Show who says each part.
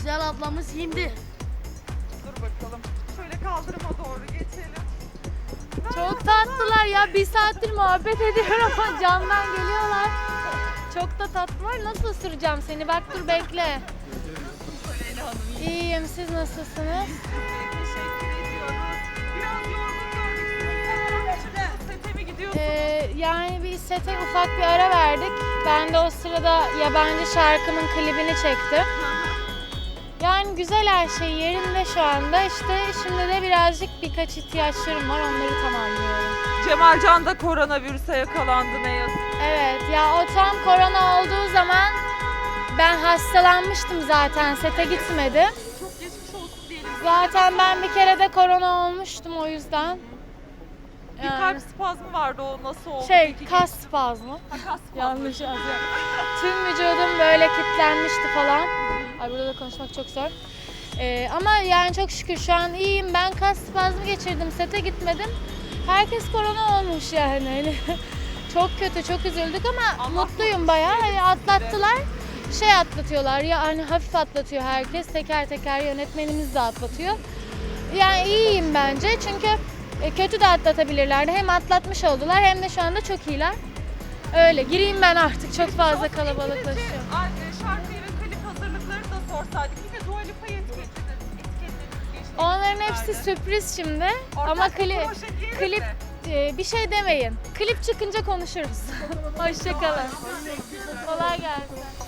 Speaker 1: güzel ablamız indi.
Speaker 2: Dur bakalım. Şöyle kaldırıma doğru geçelim.
Speaker 3: Çok tatlılar ya. Bir saattir muhabbet ediyorum ama camdan geliyorlar. Çok da tatlılar. Nasıl ısıracağım seni? Bak dur bekle.
Speaker 2: Nasıl Leyla Hanım?
Speaker 3: İyiyim. Siz nasılsınız?
Speaker 2: Teşekkür ediyoruz. Biraz yorgun gördük sizi. Sete mi gidiyorsunuz?
Speaker 3: Yani bir sete ufak bir ara verdik. Ben de o sırada yabancı şarkımın klibini çektim. Yani güzel, her şey yerinde şu anda. İşte şimdi de birazcık birkaç ihtiyaçlarım var. Onları tamamlıyorum.
Speaker 2: Cemalcan da koronavirüse yakalandı ne yazık.
Speaker 3: Evet ya, o tam korona olduğu zaman ben hastalanmıştım zaten. Sete gitmedim.
Speaker 2: Çok geçmiş olsun diyelim.
Speaker 3: Zaten ben bir kere de korona olmuştum o yüzden.
Speaker 2: Bir kalp spazmı vardı, o nasıl oldu? Peki,
Speaker 3: Kas spazmı.
Speaker 2: kas spazmı.
Speaker 3: Yanlış yazdım. Tüm vücudum böyle kilitlenmişti falan. Ay, burada da konuşmak çok zor. Ama yani çok şükür şu an iyiyim. Ben kas spazmı geçirdim, sete gitmedim. Herkes korona olmuş yani. Hani çok kötü, çok üzüldük ama
Speaker 2: Allah
Speaker 3: mutluyum bayağı. Hani atlattılar. Atlatıyorlar ya, hani hafif atlatıyor herkes. Teker teker yönetmenimiz de atlatıyor. Yani iyiyim bence çünkü kötü de atlatabilirlerdi. Hem atlatmış oldular hem de şu anda çok iyiler. Öyle gireyim ben artık, çok fazla kalabalıklaşıyor.
Speaker 2: Şarkıyı ve klip hazırlıkları da sorsaydık. Yine Dua Lipa'yı etiketlediniz.
Speaker 3: Onların hepsi sürpriz şimdi. Ama klip bir şey demeyin. Klip çıkınca konuşuruz. Hoşça kalın. Kolay gelsin.